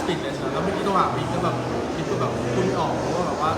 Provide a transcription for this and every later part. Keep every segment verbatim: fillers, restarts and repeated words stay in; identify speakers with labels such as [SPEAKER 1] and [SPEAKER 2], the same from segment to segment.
[SPEAKER 1] ปิดเลยนะแล้วเมื่อกี้ตัวหาบิ๊กก็แบบบิ๊กก็แบบพูดไม่ออกเพราะว่าแบบว่า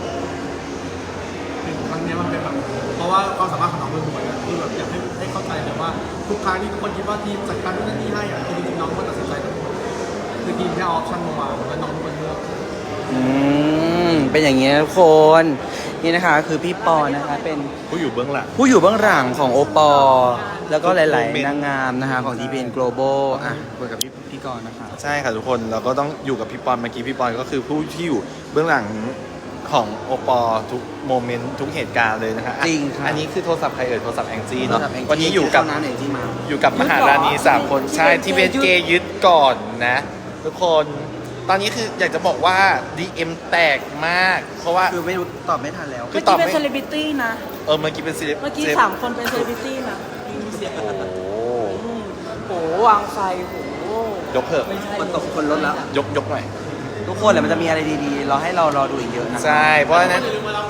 [SPEAKER 1] ครั้งนี้มันเป็นแบบเพราะว่าความสามารถของน้องเป็นเหมือนกันคือแบบอยากให้ให้เข้าใจเลยว่าทุกครั้งที่ทุกคนคิดว่าทีมจัดการนู่นนี่ให้อ่ะคือจริงๆน้องก็ตัดสินใจทั้งหมดคือทีมแค่ออปชั่นมาวางแล้วน้องเป็นคนเลือก
[SPEAKER 2] อืมเป็นอย่างนี้นะทุกคนนี่นะคะคือพี่ปอนะคะเป็น
[SPEAKER 3] ผู้อยู่เบื้องหลัง
[SPEAKER 2] ผู้อยู่เบื้องหลังของโอปอแล้วก็หลายๆนางงามนะคะของ ที พี เอ็น Global อ่ะคุยกับพี่พี่กรณ์นะคะ
[SPEAKER 3] ใช่ค่ะทุกคนเราก็ต้องอยู่กับพี่ปอนเมื่อกี้พี่ปอนก็คือผู้ที่อยู่เบื้องหลังของโอปอทุกโมเมนต์ทุกเหตุการณ์เลยนะคะ
[SPEAKER 2] จริงค่ะ
[SPEAKER 3] อันนี้คือโทรศัพท์ใครเอ่ยโทรศัพท์แองจี้
[SPEAKER 2] โทร
[SPEAKER 3] เนาะ
[SPEAKER 2] ศัพท์แงจี้
[SPEAKER 3] วันนี้อยู่กับ
[SPEAKER 2] เข้าร้านแองจี้มา
[SPEAKER 3] อยู่กับมหาราณีสามคนใช่ที่เวนเกย์ยึดก่อนนะทุกคนตอนนี้คืออยากจะบอกว่า ดี เอ็ม แตกมากเพราะว่า
[SPEAKER 2] คือไม่รู้ตอบไม่ทันแล้ว
[SPEAKER 3] คื
[SPEAKER 4] เมื่
[SPEAKER 3] อ
[SPEAKER 4] อ
[SPEAKER 3] ตอบ
[SPEAKER 4] กี้
[SPEAKER 3] ไม่
[SPEAKER 4] เป็นเซเลบริตี้นะ
[SPEAKER 3] เออเมื่อกี้เป็นซีเรีย
[SPEAKER 4] เมื่อกี้สามคนเป็นเซเลบริตี้นะ
[SPEAKER 3] โอ้โห
[SPEAKER 4] อืมโหวางไฟโห
[SPEAKER 3] ยกเถอะ
[SPEAKER 4] ไม่ใช่
[SPEAKER 2] คนตกคนลดแล้ว
[SPEAKER 3] ยกยกหน่อย
[SPEAKER 2] ทุกคนแหละมันจะมีอะไรดีๆ เราให้เรารอดูอีกเยอะนะ
[SPEAKER 3] ใช่เพราะฉะนั้น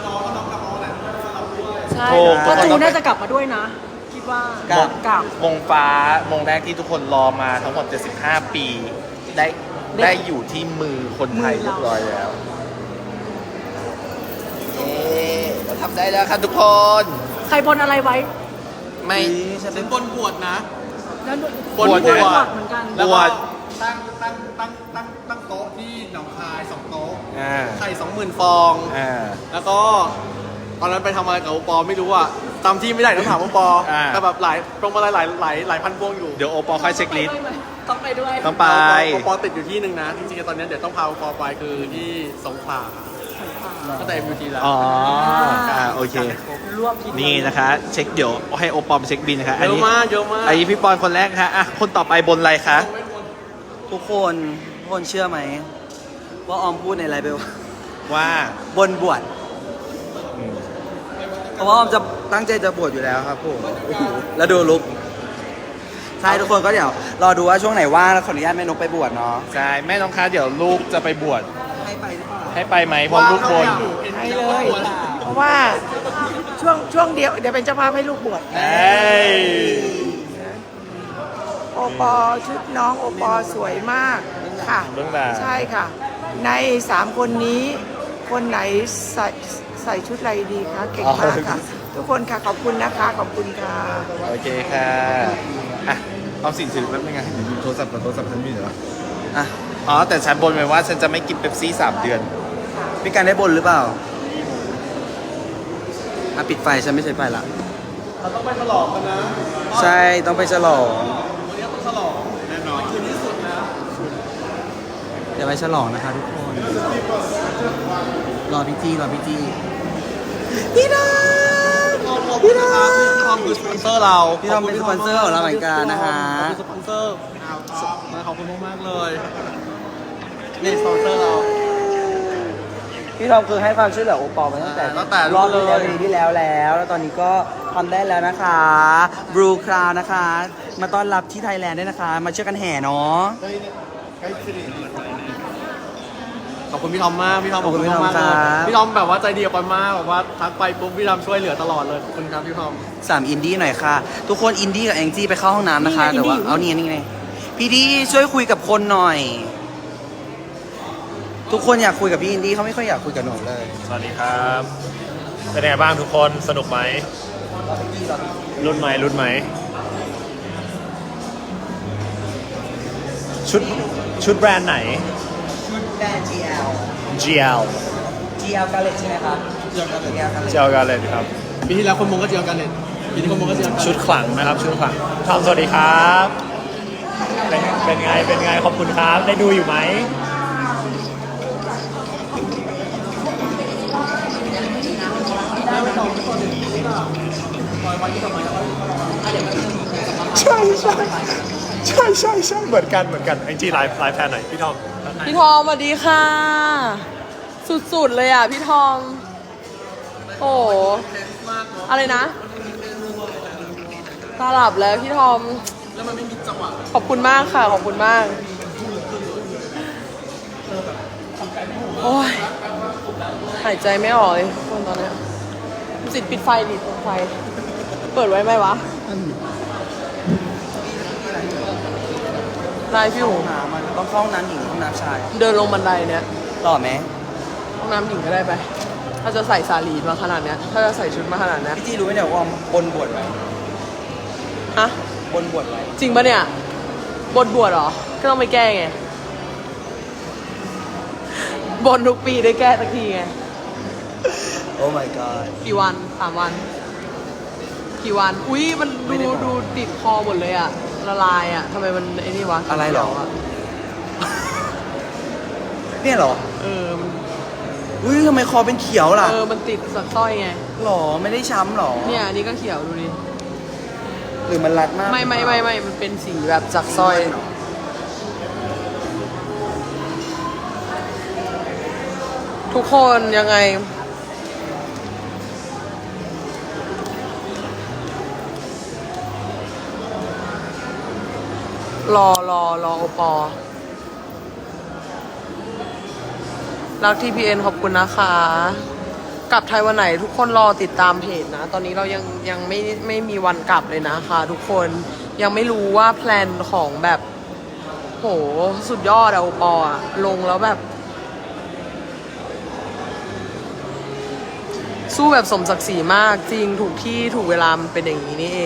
[SPEAKER 4] ใช่
[SPEAKER 3] ถูก
[SPEAKER 4] ก็
[SPEAKER 3] ทุกคน
[SPEAKER 4] จู
[SPEAKER 3] ต้องไป
[SPEAKER 4] น่าจะกลับมาด้วยนะ คิดว่า
[SPEAKER 2] กับ
[SPEAKER 4] กลับ
[SPEAKER 3] มงฟ้ามงแรกที่ทุกคนรอมาทั้งหมดเจ็ดสิบห้าปีได้ได้อยู่ที่มือคนไทยเรียบร้อยแล้วเอ๊เราทำได้แล้วครับทุกคน
[SPEAKER 4] ใครบนอะไรไว้
[SPEAKER 3] ไม่
[SPEAKER 2] ฉันเป็
[SPEAKER 1] เป็น นบนบวชนะ
[SPEAKER 4] แล้ว
[SPEAKER 3] บน
[SPEAKER 4] บวช
[SPEAKER 3] บวช
[SPEAKER 4] เหมือนกัน
[SPEAKER 1] แล้วก็ตั้งตั้งตั้งตั้งตั้งโต๊ะที่หนองคายสองโต๊ะ
[SPEAKER 3] อ่า
[SPEAKER 1] ไข่สองหมื่นฟอง
[SPEAKER 3] อ่า
[SPEAKER 1] แล้วก็ตอนนั้นไปทำอะไรกับโอปอไม่รู้อ่ะจำที่ไม่ได้ต้องถามโอปอ
[SPEAKER 3] อ่า
[SPEAKER 1] แต่แบบหลายตรงมาหลายหลายหลายหลายพันพวงอยู่
[SPEAKER 3] เดี๋ยวโอปอลค่อยเช็คลิสต์
[SPEAKER 4] ต้องไปด้วย
[SPEAKER 3] ต้องไป
[SPEAKER 1] โอปอติดอยู่ที่หนึ่งนะ จริงๆตอนนี้เดี๋ยวต้องพาโอปอไปคือที่สงขลาก็แต่ เอ็ม ยู ที แล้ว
[SPEAKER 3] อ๋ออ่าโอเค
[SPEAKER 4] รวบทีเดียว
[SPEAKER 3] นี่นะคะ เช็คเดี๋ยวให้โอปอลไปเช็คบินนะคะ
[SPEAKER 1] เยอะมากเยอะมาก
[SPEAKER 3] อันนี้พี่ปอนคนแรกนะคะอ่ะคนต่อไปบนอะไรคะ
[SPEAKER 2] ทุกคนทุกคนเชื่อไหมว่าออมพูดในไลฟ์ไปว่า
[SPEAKER 3] ว่า
[SPEAKER 2] บนบวช
[SPEAKER 3] อืม
[SPEAKER 2] เพราะว่าออมจะตั้งใจจะบวชอยู่แล้วครับผมแล้วดูลุกใช่ทุกคนก็เดี๋ยวรอดูว่าช่วงไหนว่างแล้วขออนุญาตแม่นกไปบวชเนาะ
[SPEAKER 3] ใช่แม่น้องคะเดี๋ยวลูกจะไปบวช
[SPEAKER 2] ให้ไปหรือเปล่า
[SPEAKER 3] ให้ไปไหมเพราะลูกบน
[SPEAKER 5] ให้เลย เพราะว่าช่วงช่วงเดียวเดี๋ยวเป็นเจ้าภาพให้ลูกบวช
[SPEAKER 3] เอ้ย
[SPEAKER 5] โอปอชุดน้องโอปอสวยมากค่ะ
[SPEAKER 3] เบื้องหลัง
[SPEAKER 5] ใช่ค่ะ ในสามคนนี้คนไหนใส่ใส่ชุดอะไรดีคะเก่งมากค่ะ ทุกคนค่ะขอบคุณนะคะขอบคุณค่ะ
[SPEAKER 3] โอเคค่ะอ่ะเอาสิ่งถือแป๊บนึงไงเดี๋ยวดูโทรศัพท์กับโทรศัพท์ฉันมีเหรอ
[SPEAKER 2] อ่ะ
[SPEAKER 3] อ๋อแต่ฉันบนไว้ว่าฉันจะไม่กินเป๊ปซี่สามเดือน
[SPEAKER 2] พี่การได้บนหรือเปล่าอ่ะปิดไฟฉันไม่ใช้ไฟละ
[SPEAKER 1] เราต้องไปฉลองกันนะ
[SPEAKER 2] ใช่ต้องไปฉลอง
[SPEAKER 1] วันนี้ต้องฉลองแน่นอนคืนที่สุดนะ
[SPEAKER 2] เดี๋ยวไปฉลองนะคะทุกคน รอพี่จี้รอพี่จี้พี่น้อง
[SPEAKER 1] ขอบคุณนะครับพี่ทอมคือสปอนเซอร์เรา
[SPEAKER 2] พี่ทอมเป็นสปอนเซอร์ของเราเหมือนกันนะคะ
[SPEAKER 1] ขอบคุณสปอนเซอร์ขอบคุณมากๆเลยนี่สปอนเซอร์เรา
[SPEAKER 2] พี่ทอมคือให้ความช่วยเหลือโอปอลมาตั้งแต่
[SPEAKER 1] ตั้งแต่
[SPEAKER 2] รอบที่แล้ว
[SPEAKER 1] เลย
[SPEAKER 2] ปีที่แล้วแล้ว แล้วตอนนี้ก็ทำได้แล้วนะคะบลูคราวนะคะ มาต้อนรับที่ไทยแลนด์ด้วยนะคะ มาช่วยกันแห่เนาะ
[SPEAKER 1] ขอบคุณพี่ทอมมากพี่ทอม
[SPEAKER 2] ขอบคุณพี่ทอม
[SPEAKER 1] ากๆเลย
[SPEAKER 2] ครับ
[SPEAKER 1] พี่ทอมแบบว่าใจดีกับปอนมากแบบว่าทักไปปุ๊บพี่ทอมช่วยเหลือตลอดเลยขอบคุณครับพี่ทอม
[SPEAKER 2] สามอินดี้หน่อยค่ะ ทุกคนอินดี้กับแองจี้ไปเข้าห้องน้ำนะคะ
[SPEAKER 4] นี่ไง
[SPEAKER 2] แต่ว่า
[SPEAKER 4] อินดี้อยู่
[SPEAKER 2] เอานี่นี่ไงพี่ดีช่วยคุยกับคนหน่อย ทุกคนอยากคุยกับพี่อินดี้เขาไม่ค่อยอยากคุยกับหนูเลย
[SPEAKER 6] สวัสดีครับ เป็นไงบ้างทุกคน สนุกไหม รุ่นไหมรุ่นไหม ชุดชุดแบรนด์ไหน
[SPEAKER 2] ชุดแบรนด์ จี แอล
[SPEAKER 6] จี แอล
[SPEAKER 2] จี แอล Gallet ใช่ไหมครับ จี แอล Gallet
[SPEAKER 6] เจลกันเลยครับ
[SPEAKER 1] ปีที่แล้วคนมงก็เจียวกันเนี่ยปีนี้คนมงก็เจียวกัน
[SPEAKER 6] ชุดขลังนะครับ ชุดขลังทอมสวัสดีครับ เป็นเป็นไง เป็นไง ขอบคุณครับ ได้ดูอยู่ไหม ใช่ใช่ใช่ใช่ใช่เหมือนกันเหมือนกันแองจี้ไลฟ์ไลฟ์แทนหน่อยพี่ทอม
[SPEAKER 4] พี่ทอมสวัสดีค่ะ สุดๆเลยอ่ะพี่ทอม โอ้โหอะไรนะ ตาหลับแล้วพี่ทอม
[SPEAKER 1] แล้วมันไม่มีจังหวะ
[SPEAKER 4] ขอบคุณมากค่ะ ขอบคุณมาก โอ้ย หายใจไม่ออกเลยทุกคนตอนเนี้ยสิทธิ์ปิดไฟดิปิดไฟ เปิดไว้ไหมวะไลฟ์พี่หู
[SPEAKER 2] หามันต้องเข้าห้องน้ำหญิงหรือห้องน้ำชาย
[SPEAKER 4] เดินลงบันไดเนี่ย
[SPEAKER 2] ต่อไหม
[SPEAKER 4] ห้องน้ำหญิงก็ได้ไป ถ้าจะใส่สาลีมาขนาดเนี้ย ถ้าจะใส่ชุดมาขนาดเนี้ย
[SPEAKER 2] พี่จีรู้ไหมเนี่ยว่าบนบวชไว้
[SPEAKER 4] ฮะ
[SPEAKER 2] บนบวชไว้
[SPEAKER 4] จริงปะเนี่ย บนบวชเหรอ ก็ต้องไปแก้ไง บนทุกปีได้แก้สักทีไง
[SPEAKER 2] โอ้ my god
[SPEAKER 4] กี่วันสามวัน กี่วัน อุ้ยมัน
[SPEAKER 2] ไม่ได้
[SPEAKER 4] ดู
[SPEAKER 2] บอก
[SPEAKER 4] ดูติดคอหมดเลยอะละลายอะทำไมมันไอ้นี่วะ
[SPEAKER 2] อะไรหรอ
[SPEAKER 4] ขียวะ
[SPEAKER 2] เนี่ยเหรอ
[SPEAKER 4] เออมัน
[SPEAKER 2] อุ้ยทำไมคอเป็นเขียวล่ะ
[SPEAKER 4] เออมันติดสักสร้อยไง
[SPEAKER 2] หรอไม่ได้ช้ำหรอ
[SPEAKER 4] เนี่ยอันนี้ก็เขียวดูดิ
[SPEAKER 2] หรือมันรัดมาก
[SPEAKER 4] ไม่ไม่ไม่ไม่มันเป็นสีแบบจากสร้อย ทุกคนยังไง รอรอรอโอปอรักทีพีเอ็นขอบคุณนะคะ กลับไทยวันไหนทุกคนรอติดตามเพจนะ ตอนนี้เรายังยังไม่ไม่มีวันกลับเลยนะคะทุกคนยังไม่รู้ว่าแพลนของแบบ โหสุดยอดอะโอปออะลงแล้วแบบ สู้แบบสมศักดิ์ศรีมากจริงถูกที่ถูกเวลามันเป็นอย่างนี้นี่เอง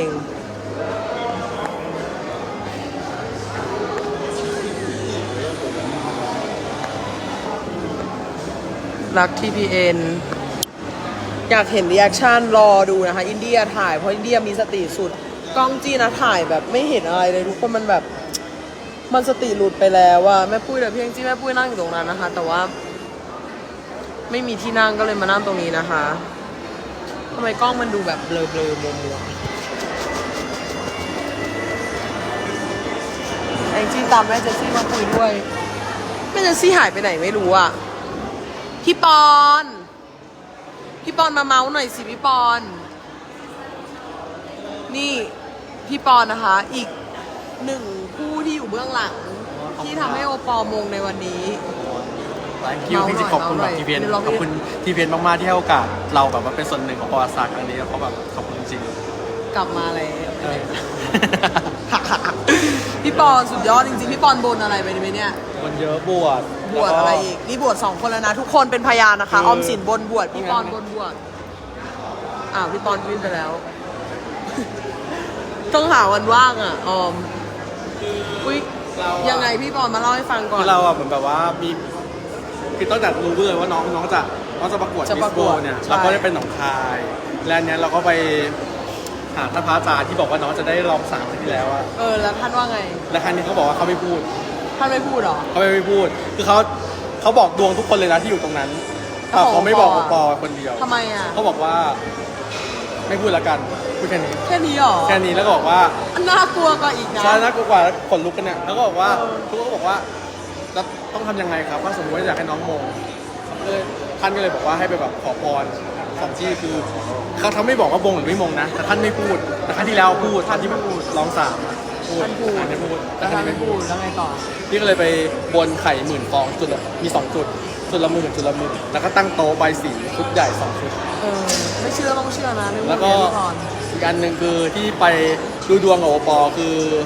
[SPEAKER 4] รัก ที พี เอ็น อยากเห็นรีแอคชั่นรอดูนะคะ อินเดียถ่ายเพราะอินเดียมีสติสุด กล้องจีนะถ่ายแบบไม่เห็นอะไรเลยทุกคนมันแบบ มันสติหลุดไปแล้วว่าแม่ปุ้ยแต่เพียงจีแม่ปุ้ยนั่งอยู่ตรงนั้นนะคะ แต่ว่า ไม่มีที่นั่งก็เลยมานั่งตรงนี้นะคะทำไมกล้องมันดูแบบเบลอเบลอมัวมัวแองจี้ตามแม่เจสซี่มาคุยด้วยแม่เจสซี่หายไปไหนไม่รู้อ่ะพี่ปอน พี่ปอนมาเมาส์หน่อยสิพี่ปอน นี่พี่ปอนนะคะ อีกหนึ่งผู้ที่อยู่เบื้องหลัง ที่ทำให้โอปอลมงในวันนี้
[SPEAKER 1] คิวพี่จริงๆขอบคุณแบบทีเพียนขอบคุณทีเพียนมากๆที่ให้โอกาสเราแบบว่าเป็นส่วนหนึ่งของประวัติศาสตร์ครั้งนี้แล้วก็แบบขอบคุณจริง
[SPEAKER 4] กลับมาเลย
[SPEAKER 1] ๆเออ
[SPEAKER 4] พี่ปอนสุดยอดจริงๆ พี่ปอนบนอะไรไปไหมเนี่ย
[SPEAKER 1] คนเยอะบวช
[SPEAKER 4] บวชอะไรอีก นี่บวชสองคนแล้วนะ ทุกคนเป็นพยานนะคะ
[SPEAKER 1] คือ
[SPEAKER 4] ออมสินบนบวช พี่ปอน
[SPEAKER 1] งั้น
[SPEAKER 4] บนบวช อ้าว พี่ปอนวิ่งไปแล้ว ต้องหาวันว่างอ่ะ ออม อุ้ย
[SPEAKER 1] เราอะ
[SPEAKER 4] ยังไงพี่ปอนมาเล่าให้ฟังก่อน
[SPEAKER 1] คือเราอ่ะเหมือนแบบว่ามีคือตั้งแต่รู้เลยว่าน้องน้องจะน้องจะประกวด
[SPEAKER 4] จะ
[SPEAKER 1] มิ
[SPEAKER 4] ป
[SPEAKER 1] ส
[SPEAKER 4] ระ
[SPEAKER 1] โก
[SPEAKER 4] กวด
[SPEAKER 1] เนี่ย
[SPEAKER 4] ใช่
[SPEAKER 1] เราก็ได้เป็นหนองคาย และอันเนี้ยเราก็ไปหาท่านพระอาจารย์ที่บอกว่าน้องจะได้รองสามครั้งที่แล้วอะ
[SPEAKER 4] เออ แล้วท่านว่าไง
[SPEAKER 1] และครั้งนี้เขาบอกว่าเขาไม่พูด
[SPEAKER 4] ท่านไม่พูดเหรอ
[SPEAKER 1] เขาไม่พูด คือเขาเขาบอกดวงทุกคนเลยนะที่อยู่ตรงนั้น
[SPEAKER 4] เขาบอก
[SPEAKER 1] เขาไม่บอก
[SPEAKER 4] ป
[SPEAKER 1] โอ
[SPEAKER 4] อ
[SPEAKER 1] ปอคนเดียว
[SPEAKER 4] ทำไมอ่ะ
[SPEAKER 1] เขาบอกว่า ไม่พูดละกันพูดแค่นี้
[SPEAKER 4] แค่นี้เหรอ
[SPEAKER 1] แค่นี้แล้วก็บอกว่า
[SPEAKER 4] น่ากลัวกว่าอีกนะ
[SPEAKER 1] ใช่น่ากลัวกว่าขนลุกกันเนี่ยแล้วก็บอกว่า
[SPEAKER 4] เออ
[SPEAKER 1] ทุกคนก็บอกว่าแล้วต้องทำยังไงครับว่าสมมติว่าอยากให้น้องมงก็เลยท่านก็เลยบอกว่าให้ไปแบบขอพรสองที่คือเขาทำไม่บอกว่ามงหรือไม่มงนะแต่ท่านไม่พูดแต่ครั้งที่แล้วพูดท่านที่พูดร้องสามอะพูด
[SPEAKER 4] ท่านพูด
[SPEAKER 1] ท่านไม่พูดแต่
[SPEAKER 4] แล้ว
[SPEAKER 1] ท่า
[SPEAKER 4] ท่าน น
[SPEAKER 1] ไม่
[SPEAKER 4] ไม่
[SPEAKER 1] พู
[SPEAKER 4] พู
[SPEAKER 1] ด
[SPEAKER 4] ดแล้วไงต่อ
[SPEAKER 1] พี่ก็เลยไปบนไข่หมื่นฟองจุดละมีสองจุดจุดละหมื่นจุดละหมื่นแล้วก็ตั้งโต๊ะใบสีชุดใหญ่สองชุด
[SPEAKER 4] เออ ไม่เชื่อต้องเชื่อนะไม่พูด
[SPEAKER 1] แล้วก็
[SPEAKER 4] เรียนก่อน
[SPEAKER 1] อีกอันหนึ่งคือที่ไปดูดวงกับโอปอคือ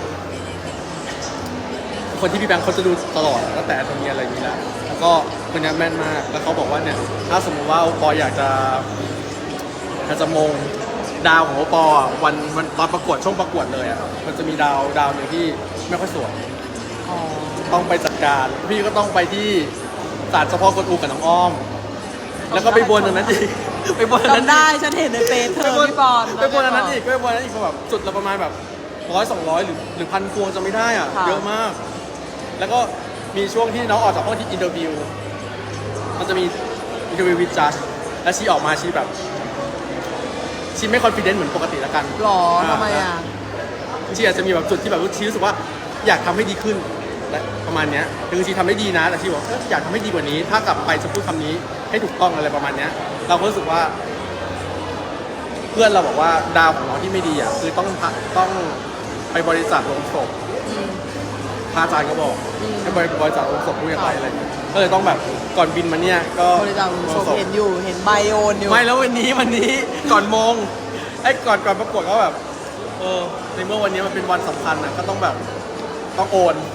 [SPEAKER 1] คนที่พี่แบงค์เขาจะดูตลอดตั้งแต่ตรงนี้อะไรนี้แล้วแล้วก็คนนี้แม่นมากแล้วเขาบอกว่าเนี่ยถ้าสมมติว่าโอปออยากจะอยากจะมงดาวของโอปออ่ะวันวันตอนประกวดช่วงประกวดเลยอ่ะมันจะมีดาวดาวหนึ่งที่ไม่ค่อยสวย
[SPEAKER 4] อ๋อ
[SPEAKER 1] ต้องไปจัดการพี่ก็ต้องไปที่ศาลเฉพาะคนอูกับน้องอ้อม แล้วก็ไปบนอันนั้นอีก ไปบนอันนั้น
[SPEAKER 4] จำได้
[SPEAKER 1] อีก
[SPEAKER 4] ฉันเห็นในเฟซเธ
[SPEAKER 1] ไป
[SPEAKER 4] อบ
[SPEAKER 1] น
[SPEAKER 4] พี่ปอน
[SPEAKER 1] ไปบนอันนั้นอีกไปบนอันนั้นอีกแบบจุดละประมาณแบบร้อยสองร้อยหรือหรือพันพวงจะไม่ได้อ่ะเยอะมาก แล้วก็มีช่วงที่น้องออกจากห้องที่อินเตอร์วิวมันจะมีอินเตอร์วิววิจัสและชีออกมาชีแบบชีไม่คอนฟิเดนซ์เหมือนปกติละกัน
[SPEAKER 4] หรอทำไมอ่ะ
[SPEAKER 1] ชีอาจจะมีแบบจุดที่แบบชีรู้สึกว่าอยากทำให้ดีขึ้นและประมาณเนี้ยคือชีทำได้ดีนะแต่ชีบอกเอ้ยอยากทำให้ดีกว่านี้ ถ้ากลับไปจะพูดคำนี้ให้ถูกต้องอะไรประมาณเนี้ยเราก็รู้สึกว่า เพื่อนเราบอกว่าดาวของน้องที่ไม่ดีอ่ะคือต้องพะต้องไปบริจาคโลงศพพระอาจารย์ก็บอกให้บริบริจาคโลงศพผู้ยากไร้อะไรอย่างเงี้ยก็เลยต้องแบบก่อนบินมาเนี่ยก็
[SPEAKER 4] บริจาคโซเห็นอยู่ เห็นไบโอนอยู่
[SPEAKER 1] ไม่แล้ววันนี้วันนี้ก่อนมงไอ้ก่อนก่อนประกวดก็แบบเออในเมื่อวันนี้มันเป็นวันสำคัญอ่ะก็ต้องแบบต้องโอน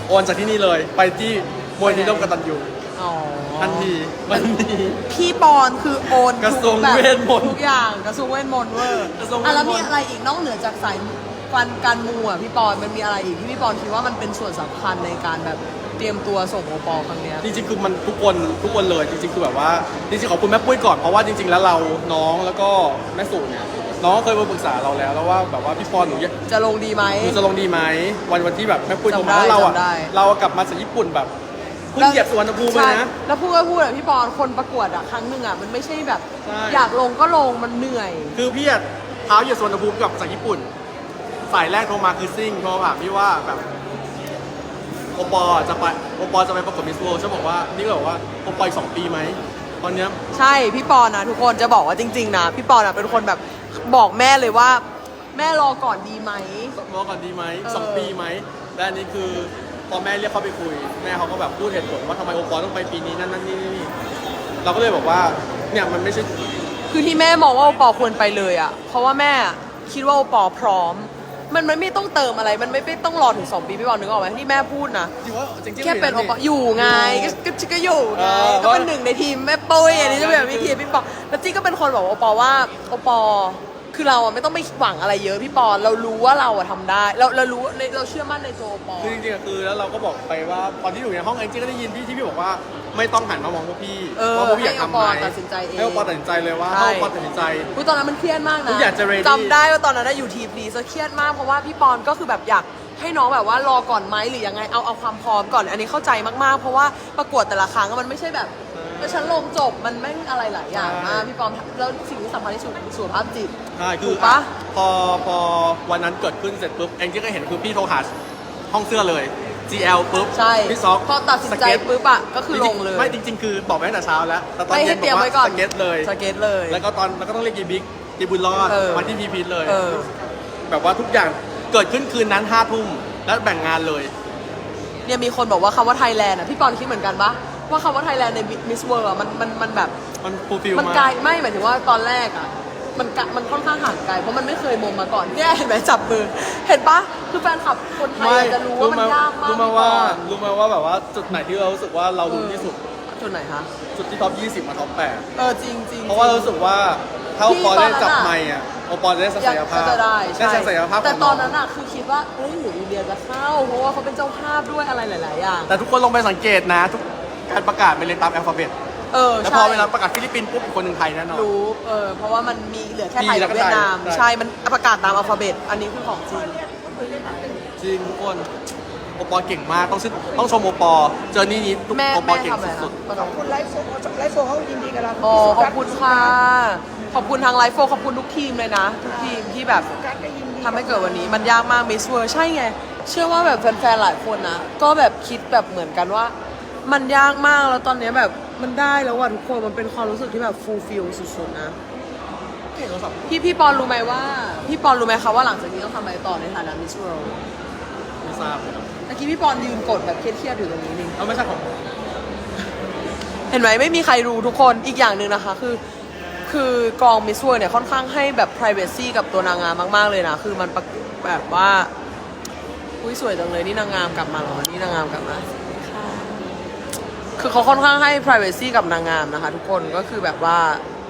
[SPEAKER 1] โอนจากที่นี่เลยไปที่มวยนิร่วมกตัญญู
[SPEAKER 4] อ๋อ
[SPEAKER 1] ทันทีมันที
[SPEAKER 4] พี่ปอนคือโอน
[SPEAKER 1] กระทรวง
[SPEAKER 4] ทุแบบ
[SPEAKER 1] เวทมนต์
[SPEAKER 4] ทุกอย่างกระทรวงเวทมนต์เวอร์
[SPEAKER 1] กระทรวงเวทมนต์
[SPEAKER 4] อ่ะแล้วมีอะไรอีกนอกเหนือจากสายการการมูอ่ะพี่ปอนมันมีอะไรอีกที่พี่ปอนคิดว่ามันเป็นส่วนสำคัญในการแบบเตรียมตัวส่งโอปอลครั้งเนี้ย
[SPEAKER 1] จริงๆคือมันทุกคนทุกคนเลยจริงๆคือแบบว่าจริงๆขอบคุณแม่ปุ้ยก่อนเพราะว่าจริง ๆ แล้วเราน้องแล้วก็แม่สู่เนี่ยน้องเคยมาปรึกษาเราแล้วแล้วว่าแบบว่าพี่ปอนหนูอยาก
[SPEAKER 4] จะลงดีไหม
[SPEAKER 1] หนูจะลงดีไหมวันวันที่แบบแม่ปุ้ยโทร
[SPEAKER 4] จำได้
[SPEAKER 1] มาแล้วเราอ่ะ
[SPEAKER 4] จำได้
[SPEAKER 1] เรากลับมาจากญี่ปุ่นแบบเพิ่งเหยียบสุวรรณภูมิเลย
[SPEAKER 4] ใช่
[SPEAKER 1] นะ
[SPEAKER 4] แล้วพูดก็พูดอะพี่ปอนคนประกวดอะครั้งหนึ่งอะมันไม่ใช่แบบ
[SPEAKER 1] ใช่
[SPEAKER 4] อยากลงก็ลงมันเหนื่อย
[SPEAKER 1] คือพี่อะเท้าเหยียบสุวรรณภูมิกลับจากญี่ปุ่นสายแรกโทรมาคือซิ่งโทรมาถามพี่ว่าแบบโอปอจะไปโอปอจะไปประกวดมิสเวิลด์ฉันบอกว่านี่ก็บอกว่าโอปออีกสองปีไหมตอนเนี้ย
[SPEAKER 4] ใช่พี่ปอนนะทุกคนจะบอกว่าจริงๆนะพี่ปอนอะเป็นคนแบบบอกแม่เลยว่า แม่รอก่อนดีไหม
[SPEAKER 1] รอก่อนดีไหม
[SPEAKER 4] เออ
[SPEAKER 1] สองปีไหมและอันนี้คือพอแม่เรียกเขาไปคุย แม่เขาก็แบบพูดเหตุผลว่าทำไมโอปอต้องไปปีนี้นั่นนั่นนี่นี่เราก็เลยบอกว่าเนี่ยมันไม่ใช่
[SPEAKER 4] คือที่แม่มองว่าโอปอควรไปเลยอะเพราะว่าแม่คิดว่าโอปอพร้อม มันมันไม่ต้องเติมอะไรมันไม่ไม่ต้องรอถึงสองปีพี่ปอนนึกออกไหมที่แม่พูดนะ
[SPEAKER 1] จริงว่าจริงๆ
[SPEAKER 4] แค่เป็นโอปออยู่ไงก็ก็ก็อยู่ไง
[SPEAKER 1] เออ
[SPEAKER 4] ก็เป็นหนึ่งในทีมแม่ปุ้ยอันนี้จะเป็นแบบวิธีพี่ปอแล้วจี้ก็เป็นคนบอกว่าโอปอว่าโอปอคือเราอะไม่ต้องไปหวังอะไรเยอะพี่ปอเรารู้ว่าเราอะทำได้เราเรารู้ในเราเชื่อมั่นในตัวโอปอ
[SPEAKER 1] คือจริงๆอะคือแล้วเราก็บอกไปว่าตอนที่อยู่ในห้องเองจี้ก็ได้ยินพี่ที่พี่บอกว่าไม่ต้องหันมามองพวกพี่
[SPEAKER 4] เออ
[SPEAKER 1] ว่าพวกพี่อยากทำไหม
[SPEAKER 4] ให้โอปอตัดสินใจเอง
[SPEAKER 1] ให้โอปอตัดสินใจเลยว่า
[SPEAKER 4] ใช่
[SPEAKER 1] ให้โอปอตัดสินใจ
[SPEAKER 4] อุ๊ยตอนนั้นมันเครียดมากนะ
[SPEAKER 1] ทุกอย่างจะ ready
[SPEAKER 4] จำได้ว่าตอนนั้นนะอยู่ทีมดีซะเครียดมากเพราะว่าพี่ปอนก็คือแบบอยากให้น้องแบบว่ารอก่อนไหมหรือยังไงเอาเอาความพร้อมก่อนอันนี้เข้าใจมากๆ เพราะว่าประกวดแต่ละครั้งมันไม่ใช่แบบเออฉันลงจบมันไม่งอะไรหลายอย่างมากพี่ปอนแล้วสิ่งที่สำคัญที่สุดคือสุขภาพจิต
[SPEAKER 1] ใช่คื
[SPEAKER 4] ถู
[SPEAKER 1] อก
[SPEAKER 4] ปะ
[SPEAKER 1] พอพอวันนั้นเกิดขึ้นเสร็จปุ๊บเองจี้ก็เห็นคือพี่โทรหาห้องเสื้อเลย จี แอล ปุ๊บ
[SPEAKER 4] ใช่
[SPEAKER 1] พี่ซอก
[SPEAKER 4] พอตัดสินใจ
[SPEAKER 1] สเก็ต
[SPEAKER 4] ปุ๊บอะก็คือลงเลย
[SPEAKER 1] ไม่จริง ๆ คือบอกไปตั้งแต่เช้าแล้วแต่ตอน
[SPEAKER 4] ไม่
[SPEAKER 1] เย็
[SPEAKER 4] ให้
[SPEAKER 1] น
[SPEAKER 4] เตรียม
[SPEAKER 1] บอก
[SPEAKER 4] ไว้
[SPEAKER 1] ว่า
[SPEAKER 4] ก่อน
[SPEAKER 1] สเก็ตเลย
[SPEAKER 4] สเก็ตเลย
[SPEAKER 1] แล้วก็ตอนแล้วก็ต้องเรียกยีบิ๊กยีบุญรอด
[SPEAKER 4] เออ
[SPEAKER 1] มาที่พีพีทเลย
[SPEAKER 4] เออ
[SPEAKER 1] แบบว่าทุกอย่างเกิดขึ้นคืนนั้นห้าทุ่มแล้วแบ่งงานเลย
[SPEAKER 4] เนี่ยมีคนบอกว่าคำว่าไทยแลนด์อะพี่ปอนคิดเหมือนกันปะว่าคำว่าไทยแลนด์ในมิสเวิร์มันมันมันแบบ
[SPEAKER 1] มันฟูลฟิล
[SPEAKER 4] มัน
[SPEAKER 1] มา
[SPEAKER 4] ไกล
[SPEAKER 1] ก
[SPEAKER 4] ไม่หมายถึงว่าตอนแรกอ่ะมันกะมันค่อนข้างห่างไกลเพราะมันไม่เคยมงมาก่อนเนี่ยเห็นไหมจับมือเห็นปะคือแฟนคลับคนไทยอาจจะรู้ว่ามันยากมาก
[SPEAKER 1] รู้ไหมว่ารู้ไหมว่าแบบว่าจุดไหนที่เรารู้สึกว่าเรารู้ที่สุด
[SPEAKER 4] จุดไหนคะ
[SPEAKER 1] จุดที่ท็อปยี่สิบมาท็อปแปด
[SPEAKER 4] เออจริงจริง
[SPEAKER 1] เพราะว่าเรารู้สึกว่าถ้าโอปอลได้จับไมค์อ่ะโอปอลจะได้ศัก
[SPEAKER 4] อยาก
[SPEAKER 1] ยภาพ
[SPEAKER 4] จะได้
[SPEAKER 1] ได้ศักยภาพ
[SPEAKER 4] แต่
[SPEAKER 1] ของ
[SPEAKER 4] ต
[SPEAKER 1] น้
[SPEAKER 4] อ
[SPEAKER 1] อน ง
[SPEAKER 4] นั้นอ่ะคือคิดว่าเอ้ยหรืออินเดียจะเข้า เพราะว่าเขาเป็นเจ้าภาพด้วยอะไรหลายๆอย่าง
[SPEAKER 1] แต่ทุกคนลงไปสังเกตนะ ทุกการประกาศเป็นเรียงตามอัลฟาเบต
[SPEAKER 4] เออ
[SPEAKER 1] แล้ว
[SPEAKER 4] ใช่
[SPEAKER 1] พอเวลาประกาศฟิลิปปินส์ปุ๊บอีกคนหนึ่งไทยแน่นอน
[SPEAKER 4] รู้เออเพราะว่ามันมีเหลือแค่ไทย
[SPEAKER 1] มีแล้
[SPEAKER 4] กับ
[SPEAKER 1] วก็
[SPEAKER 4] เวียดนาม
[SPEAKER 1] ไทย
[SPEAKER 4] ใช่มันประกาศตามอัลฟาเบตอันนี้คือของจริง
[SPEAKER 1] จริงทุกคนโอปอลเก่งมากต้องชื่นต้องชมโอปอลเจอนี่นี้ทุก
[SPEAKER 4] แม่
[SPEAKER 1] โอปอ
[SPEAKER 4] แม่
[SPEAKER 1] ลเก่ง
[SPEAKER 4] ทำอะไร
[SPEAKER 1] สุ
[SPEAKER 4] นะ
[SPEAKER 1] ด
[SPEAKER 5] ขอบคุณไลฟ์โฟไลฟ์โฟเขายินดีกับเรา
[SPEAKER 4] อ๋อขอบคุณค่ะ ขอบคุณทางไลฟ์โฟขอบคุณทุกทีมเลยนะ ทุกทีมที่แบบ
[SPEAKER 5] การก็ยินดี
[SPEAKER 4] ทำให้เกิดวันนี้มันยากมากมิสเวอร์ใช่ไง เชื่อว่าแบบแฟนๆหลายคนนะก็แบบคิดแบบเหมือนกันว่า มันยากมากแล้วตอนนี้แบบมันได้แล้วว่ะทุกคนมันเป็นความรู้สึกที่แบบฟูลฟิลสุดๆนะ
[SPEAKER 1] ๆเก่งโทรศัพท์
[SPEAKER 4] พี่พี่ปอนรู้ไหมว่า พี่ปอนรู้ไหมคะว่าหลังจากนี้ต้องทำอะไรต่อในฐานะมิสเวิลด์
[SPEAKER 1] ไม่ทราบเลยครับ
[SPEAKER 4] เมื่อกี้พี่ปอนยืนกดแบบเครียดๆอยู่ตรงนี้นี่
[SPEAKER 1] เอาไม่ใช่ของผม
[SPEAKER 4] เห็นไหมไม่มีใครรู้ทุกคนอีกอย่างหนึ่งนะคะคือ คือกองมิสเวิร์เนี่ยค่อนข้างให้แบบ privacy กับตัวนางงามมากๆเลยนะ คือมันประแบบว่าอุ้ยสวยจังเลยนี่นางงามกลับมาเหรอนี่นางงามกลับมาคือเขาค่อนข้างให้ privacy กับนางงามนะคะ ทุกคนก็คือแบบว่า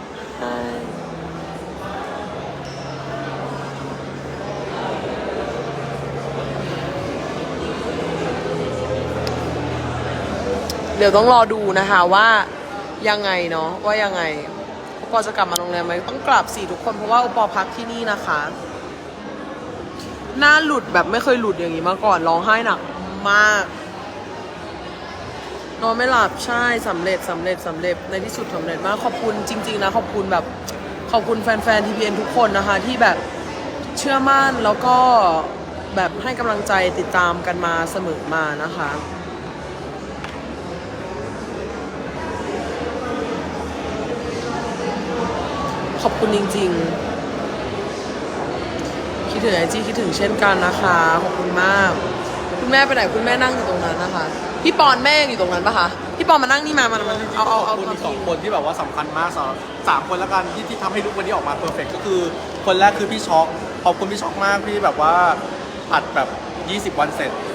[SPEAKER 4] เดี๋ยวต้องรอดูนะคะว่ายังไงเนาะว่ายังไงโอปอจะกลับมาโรงแรมไหมต้องกลับสี่ทุกคนเพราะว่าโอปอพักที่นี่นะคะ หน้าหลุดแบบไม่เคยหลุดอย่างนี้มาก่อนร้องไห้หนักมากนอนไม่หลับใช่สำเร็จสำเร็จสำเร็จในที่สุดสำเร็จมากขอบคุณจริงๆนะขอบคุณแบบขอบคุณแฟนๆทีพีเอ็นทุกคนนะคะที่แบบเชื่อมั่นแล้วก็แบบให้กำลังใจติดตามกันมาเสมอมานะคะขอบคุณจริงๆคิดถึงไอจีคิดถึงเช่นกันนะคะขอบคุณมากคุณแม่ไปไหนคุณแม่นั่งอยู่ตรงนั้นนะคะพี่ปอนแม่อยู่ตรงนั้นปะคะพี่ปอนมานั่งนี่มามันมันเอาเอา
[SPEAKER 1] ข
[SPEAKER 4] เอา
[SPEAKER 1] อบคุณ
[SPEAKER 4] เอา
[SPEAKER 1] อีกสองคนที่แบบว่าสำคัญมากสำหรับสามคนแล้วกันที่ที่ทำให้ลุกวันนี้ออกมาเพอร์เฟกก็คือคนแรกคือพี่ช็อกขอบคุณพี่ช็อกมากพี่แบบว่าอัดแบบยี่สิบวันเสร็จ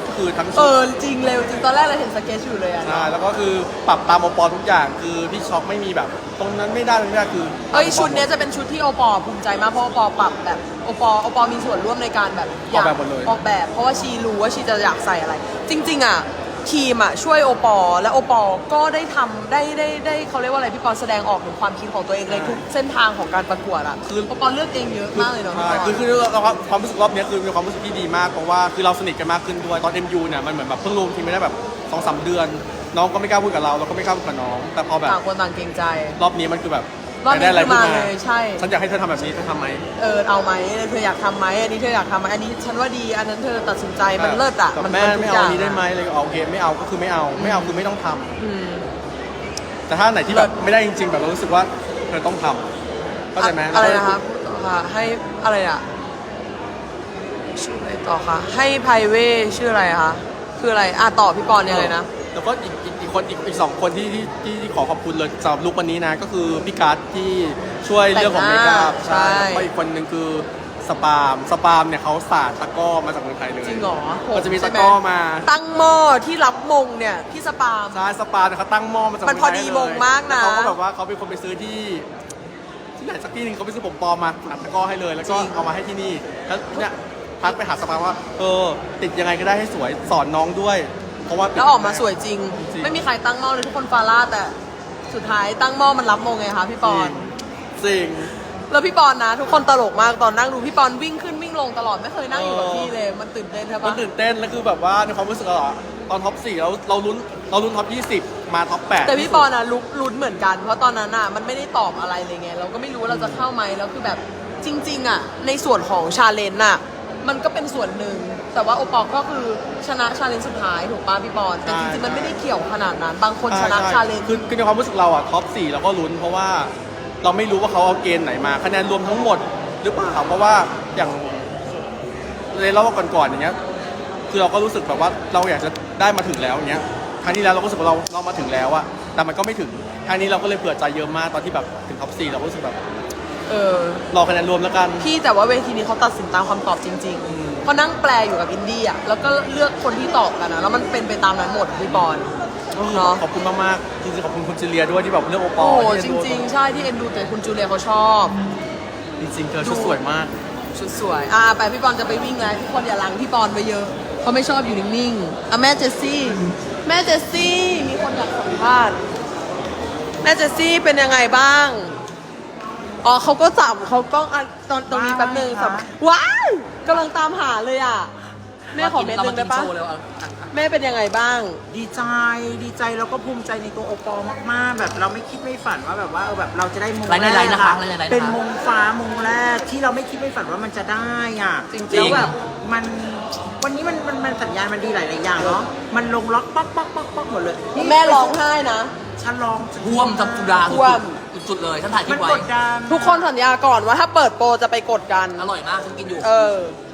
[SPEAKER 1] คือทั้ง
[SPEAKER 4] เอ
[SPEAKER 1] ชุด
[SPEAKER 4] อจริงเร็วจริงตอนแรกเราเห็นสเก็ตอยู่เลยอะ
[SPEAKER 1] ใช่แล้วก็คือปรับตามโอปอทุกอย่างคือพี่ช็อกไม่มีแบบ ตรงนั้นไม่ได้ตรงนี้ไม่ได้คือ
[SPEAKER 4] เอ้ยชุดเนี้ยจะเป็นชุดที่โอปอภูมิใจมากเพราะโอปอปรับแบบโอปอโอปอมีส่วนร่วมในการแบบ
[SPEAKER 1] ออกแบบหมดเลย
[SPEAKER 4] ออกแบบเพราะว่าชีรู้ว่าชีจะอยากใส่อะไร จริง ๆอ่ะทีมอ่ะช่วยโอปอและโอปอก็ได้ทำได้ได้ได้เขาเรียกว่าอะไรพี่ปอแสดงออกถึงความคิดของตัวเองในทุกเส้นทางของการประกวดอ่ะคือโอปอเลือกเองเยอะมากเลยเนาะ
[SPEAKER 1] ใช่คือคือเราความรู้สึกรอบเนี้ยคือมีความรู้สึกที่ดีมากเพราะว่าคือเราสนิทกันมากขึ้นด้วยตอน เอ็ม ยู เนี่ยมันเหมือนแบบเพิ่งรวมทีมไม่ได้แบบสองสามเดือน น้องก็ไม่กล้าพูดกับเราเราก็ไม่กล้าพูดกับน้อง แต่พอแบบ
[SPEAKER 4] ต่างคนต่างเกรงใจ
[SPEAKER 1] รอบนี้มันคือแบบ
[SPEAKER 4] รอบนี้
[SPEAKER 1] ได้อะไร
[SPEAKER 4] คือ
[SPEAKER 1] พูด
[SPEAKER 4] มา
[SPEAKER 1] มา
[SPEAKER 4] เลยใช่
[SPEAKER 1] ฉันอยากให้เธอทำแบบนี้เธอทำไหม
[SPEAKER 4] เออเอาไหมเธออยากทำไหมอันนี้เธออยากทำไหมอันนี้ฉันว่าดีอันนั้นเธอตัดสินใจมันเลิศอ่ะ
[SPEAKER 1] แบบ
[SPEAKER 4] มัน
[SPEAKER 1] แม่
[SPEAKER 4] นทุ
[SPEAKER 1] ไม่
[SPEAKER 4] ก
[SPEAKER 1] เอา
[SPEAKER 4] ย่
[SPEAKER 1] อั
[SPEAKER 4] ง
[SPEAKER 1] นนี้ได้ไหมเลยก็โอเคไม่เอาก็คือไม่เอาไม่เอาคือไม่ต้องทำ
[SPEAKER 4] อืม
[SPEAKER 1] แต่ถ้าไหนที่แบบไม่ได้จริงๆแบบเรารู้สึกว่าเธอต้องทำเข้าใจไหม
[SPEAKER 4] อะไรนะคะพูดต่อค่ะให้อะไรอ่ะชื่ออะไรต่อคะให้ไพเวชื่ออะไรคะคืออะไรอ่ะต่อพี่ปอนยังไงนะ
[SPEAKER 1] แล้วก็อีกอีกอีกคนอีกอีกสองคนที่ที่ที่ที่ขอขอบคุณเลยสำหรับลุควันนี้นะก็คือพี่การ์ดที่ช่วยเรื่องของเมคอัพ
[SPEAKER 4] ใช่
[SPEAKER 1] ใช่แล้วก็อีกคนหนึ่งคือสปาล์มสปาล์มเนี่ยเขาสาดตะกร้อมาจากเมืองไทยเลย
[SPEAKER 4] จริงเหรอ
[SPEAKER 1] มันจะมีตะกร้อมา
[SPEAKER 4] ตั้งหม้อที่รับมงเนี่ยพี่สปาล์ม
[SPEAKER 1] ใช่สปาล์มเนี่ยเขาตั้งหม้อมาจาก
[SPEAKER 4] มันพอดี
[SPEAKER 1] เมืงไทยเลย
[SPEAKER 4] มงมากนะ
[SPEAKER 1] แล้วเขาก็แบบว่าเขาเป็นคนไปซื้อที่ที่ไหนสักที่หนึ่งเขาไปซื้อผมปลอมมาอัดตะกร้อให้เลย แล้วก็เอามาให้ที่นี่แล้วเนี่ยพักไปหาสปาล์มว่าเออติดยังไงก็ได้ให้สวยสอนน้องด้วย เพราะว่า
[SPEAKER 4] แล้วออกมาสวยจริง
[SPEAKER 1] จริง
[SPEAKER 4] ไม่มีใครตั้งหม้อเลยทุกคนฟาร่าแต่สุดท้ายตั้งหม้อมันรับมงไงคะพี่ปอน
[SPEAKER 1] จริง
[SPEAKER 4] แล้วพี่ปอนนะ ทุกคนตลกมากตอนนั่งดูพี่ปอนวิ่งขึ้นวิ่งลงตลอดไม่เคยนั่งอยู่กับที่เลยมันตื่นเต้นใช่
[SPEAKER 1] มั
[SPEAKER 4] ปะ
[SPEAKER 1] นตื่นเต้นแล้วคือแบบว่าในความรู้สึกเราอะตอนท็อปสี่เราเราลุ้นเราลุ้นท็อปยี่สิบมาท็อปแปด
[SPEAKER 4] แต่พี่ปอนอะลุกลุ้นเหมือนกัน เพราะตอนนั้นอะมันไม่ได้ตอบอะไรเลยไงเราก็ไม่รู้ว่าเราจะเข้าไหมแล้วคือแบบจริง ๆอะในส่วนของชาเลนจ์อะมันก็เป็นส่วนหนึ่งแต่ว่าโอปอลก็คือชนะชาเลนจ์สุดท้ายถูกป่ะพี่ปอนแต่จริงๆมันไม่ได้เกี่ยวขนาดนั้น บางคนชนะชาเลนจ์
[SPEAKER 1] คือคือในความรู้สึกเราอะท็อปสี่เราก็ลุ้นเพราะว่าเราไม่รู้ว่าเขาเอาเกณฑ์ไหนมาคะแนนรวมทั้งหมดหรือเปล่าเพราะว่าอย่างในรอบก่อนๆอย่างเงี้ยคือเราก็รู้สึกแบบว่าเราอยากจะได้มาถึงแล้วอย่างเงี้ยครั้งที่แล้วเราก็รู้สึกว่าเราเรามาถึงแล้วอะแต่มันก็ไม่ถึงครั้งนี้เราก็เลยเผื่อใจเยอะมากตอนที่แบบถึงท็อปสี่เราก็รู้สึกแบบ
[SPEAKER 4] เออ
[SPEAKER 1] รอคะแนนรวมแล้วกัน
[SPEAKER 4] พี่แต่ว่าเวทีนี้เขาตัดสินตามคำตอบจริงๆเพราะนั่งแปลอยู่กับอินดี้อะแล้วก็เลือกคนที่ตอบกันนะแล้วมันเป็นไปตามนั้นหมดพี่ปอนเนาะ
[SPEAKER 1] ขอบคุณมากๆจริงๆขอบคุณคุณจิเลียด้วยที่แบบเลือกโอปอ
[SPEAKER 4] โอ้
[SPEAKER 1] ล์
[SPEAKER 4] โห
[SPEAKER 1] ที่
[SPEAKER 4] จ
[SPEAKER 1] เอ็นดู
[SPEAKER 4] ริง ๆ ใช่ที่เอ็นดูแต่คุณจูเลียเขาชอบ
[SPEAKER 1] จริงๆเธอชุดสวยมาก
[SPEAKER 4] ชุดสวยอ่าไปพี่ปอนจะไปวิ่งแล้วทุกคนอย่าลังพี่ปอนไปเยอะเขาไม่ชอบอยู่นิ่งๆอ่ะแม่เจสซี่แม่เจสซี่มีคนอยากสัมภาษณ์แม่เจสซี่เป็นยังไงบ้างอ๋อเขาก็สัมเขาก็อ่ะตอนตรงนี้แป๊บนึงสัมว้าวกำลังตามหาเลยอ่ะแม่ขอเม็ดนึงได้ปะแม่เป็นยังไงบ้าง
[SPEAKER 7] ดีใจดีใจแล้วก็ภูมิใจในตัวโอปอลมากๆ แบบเราไม่คิดไม่ฝันว่าแบบว่าเออแบบเราจะได้มง
[SPEAKER 8] ไลน์ใน
[SPEAKER 7] แร
[SPEAKER 8] ไล
[SPEAKER 7] ก
[SPEAKER 8] น์นะคะ
[SPEAKER 7] อะ
[SPEAKER 8] ไลน์ในไลน์นะคะ
[SPEAKER 7] เป็นมงฟ้ามงแรกที่เราไม่คิดไม่ฝันว่ามันจะได้อ่ะ
[SPEAKER 4] จริงๆ
[SPEAKER 7] แล้วแบบมันวันนี้มันมันมันสัญญาณมันดีหลายๆอย่างเนาะมันลงล็อกป๊อกป๊อกป๊อกป๊อกหมดเลยนี่
[SPEAKER 4] แม่ร้องไห้นะ
[SPEAKER 7] ฉันร้อง
[SPEAKER 8] ท่วมจับจุฬา
[SPEAKER 4] ท่วม
[SPEAKER 8] สุดๆเลยท่านถ่ายคลิ
[SPEAKER 7] มั
[SPEAKER 8] ป
[SPEAKER 7] น
[SPEAKER 8] ไว้
[SPEAKER 7] กดดัน
[SPEAKER 4] ทุกคนสัญญาก่อนว่าถ้าเปิดโปรจะไปกดกัน
[SPEAKER 8] อร่อยมากฉันกินอยู่
[SPEAKER 4] เออ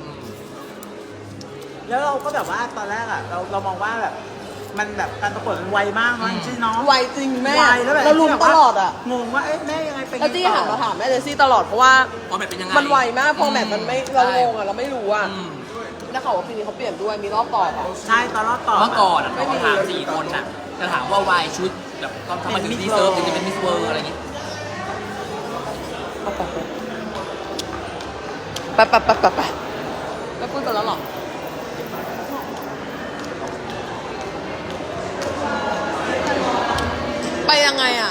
[SPEAKER 7] แล้วเราก็แบบว่าตอนแรกอ่ะเราเรามองว่าแบบมันแบบการประกวดมันไวมากเนาะจริงๆเนาะ
[SPEAKER 4] ไวจริงแม่
[SPEAKER 7] ไวแล้วแบบ
[SPEAKER 4] เราลุมตลอดอ่ะ
[SPEAKER 7] งงว่าเอ๊ะแม่ยังไงเป็น
[SPEAKER 4] แล้วจี้
[SPEAKER 7] ไง
[SPEAKER 4] หัน
[SPEAKER 7] ต่
[SPEAKER 4] มา
[SPEAKER 7] อ
[SPEAKER 4] ถามแม่เจสซี่ตลอดเพราะว่า
[SPEAKER 8] พอแบบเป็นยังไง
[SPEAKER 4] มันไวมากพอแมทมันไม่เรา
[SPEAKER 8] ใช่
[SPEAKER 4] งงอ่ะเราไม่รู้อ่ะ
[SPEAKER 8] อืม
[SPEAKER 4] แล้วเขาว่าปีนี้เขาเปลี่ยนด้วยมีรอบต่ออ่ะ
[SPEAKER 7] ใช่ตอนรอบต่อ
[SPEAKER 8] เมื่อก่อนอะ
[SPEAKER 4] ไม่มี
[SPEAKER 8] เขาถามสี่คนน่ะจะถามว่าวายชุดแบบตอนทำไมถึงดีเซิร์ฟถึงจะเป็นมิสเวิร์อะไรอย่างงี้
[SPEAKER 4] ไปไปไปไปไปแล้วพูดกันแล้วหรอไปยังไงอ่ะ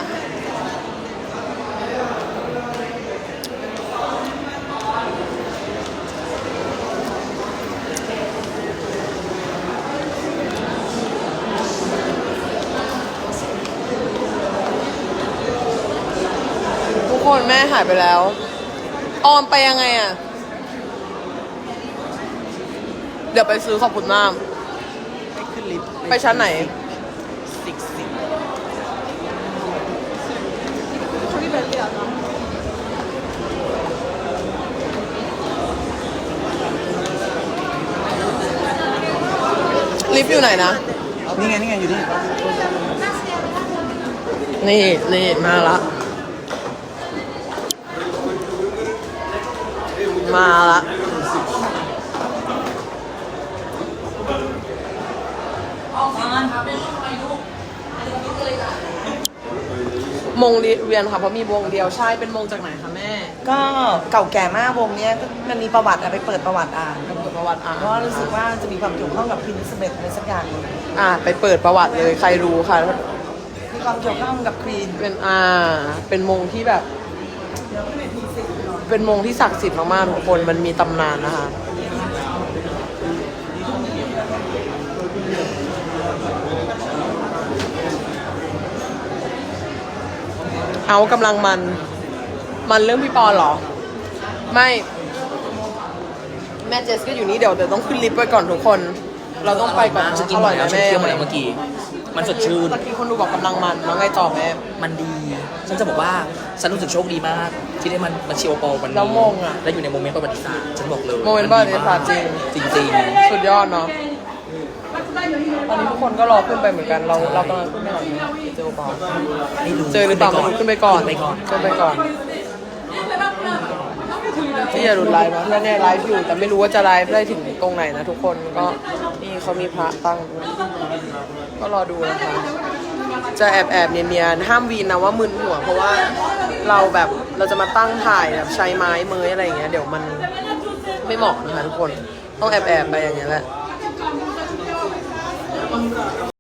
[SPEAKER 4] ทุกคนแม่หายไปแล้ว ออมไปยังไงอ่ะ เดี๋ยวไปซื้อขอบคุณมาก
[SPEAKER 7] ไปขึ้นลิฟต์
[SPEAKER 4] ไปชั้นไหน
[SPEAKER 7] สิบสิบ
[SPEAKER 4] ลิฟต์อยู่ไหนนะ
[SPEAKER 7] นี่ไงนี่ไงอยู่นี่
[SPEAKER 4] นี่นี่มาละ มาละมงเวียนค่ะเพราะมีวงเดียวใช่เป็นมงจากไหนคะแม่
[SPEAKER 5] ก็เก่าแก่มากวงเนี้ยมันมีประวัติอะไปเปิดประวัติอ่าน
[SPEAKER 4] เปิดประวัติอ่าน
[SPEAKER 5] เพราะว่ารู้สึกว่าจะมีความเกี่ยวข้องกับพินสเบตอะไรสักอย่างหนึ่ง
[SPEAKER 4] อ่าไปเปิดประวัติเลยใครรู้ค่ะ
[SPEAKER 5] มีความเกี่ยวข้องกับควีน
[SPEAKER 4] เป็นอ่าเป็นมงที่แบบ เป็นมงที่ศักดิ์สิทธิ์มากๆทุกคนมันมีตำนานนะคะเอากำลังมัน มันเรื่องพี่ปอนเหรอ ไม่ แม่เจสก็อยู่นี่เดี๋ยวเดี๋ยวต้องขึ้นลิฟต์ไปก่อนทุกคน เราต้องไปก่อน
[SPEAKER 8] ฉันกิน
[SPEAKER 4] อ
[SPEAKER 8] หม
[SPEAKER 4] ร่อ
[SPEAKER 8] ด
[SPEAKER 4] ย
[SPEAKER 8] แล้ว
[SPEAKER 4] นะ
[SPEAKER 8] ฉัน
[SPEAKER 4] แม่
[SPEAKER 8] เคี้ยวหมดแล้วเมื่อกี้ มันสดชื่น
[SPEAKER 4] ตะกี้คนดูบอกกำลังมันแล้วไงต่อแม่
[SPEAKER 8] มันดี ฉันจะบอกว่าฉันรู้สึกโชคดีมาก ที่ได้มันมาเชียร์โอปอลวันนี้
[SPEAKER 4] แล้วมงอะ
[SPEAKER 8] และอยู่ในโมเมนต์ประวัติศาสตร์ฉันบอกเลย
[SPEAKER 4] โมเมนต์ประวัติศาสตร์จริง
[SPEAKER 8] จริงจริง
[SPEAKER 4] สุดยอดเนาะ ตอนนี้ทุกคนก็รอขึ้นไปเหมือนกัน เราเรากำลังขึ้นไปหน่อยนะเจอเปล่า
[SPEAKER 8] ๆไม่รู้
[SPEAKER 4] เจอหรือเปล่าไม่รู้ขึ้นไปก่อน
[SPEAKER 8] ขึ้นไปก่อน
[SPEAKER 4] ขึ้นไปก่อนที่อย่าหลุดไลฟ์นะแน่ๆไลฟ์อยู่แต่ไม่รู้ว่าจะไลฟ์ได้ถึงตรงไหนนะทุกคนก็นี่เขามีพระตั้งด้วยก็รอดูนะคะ จะแอบแอบๆเนียนๆห้ามวีนนะว่ามึนหัว เพราะว่าเราแบบเราจะมาตั้งถ่ายแบบใช้ไม้เมยอะไรอย่างเงี้ยเดี๋ยวมันไม่เหมาะนะคะทุกคนต้องแอบแอบๆไปอย่างเงี้ยแหละ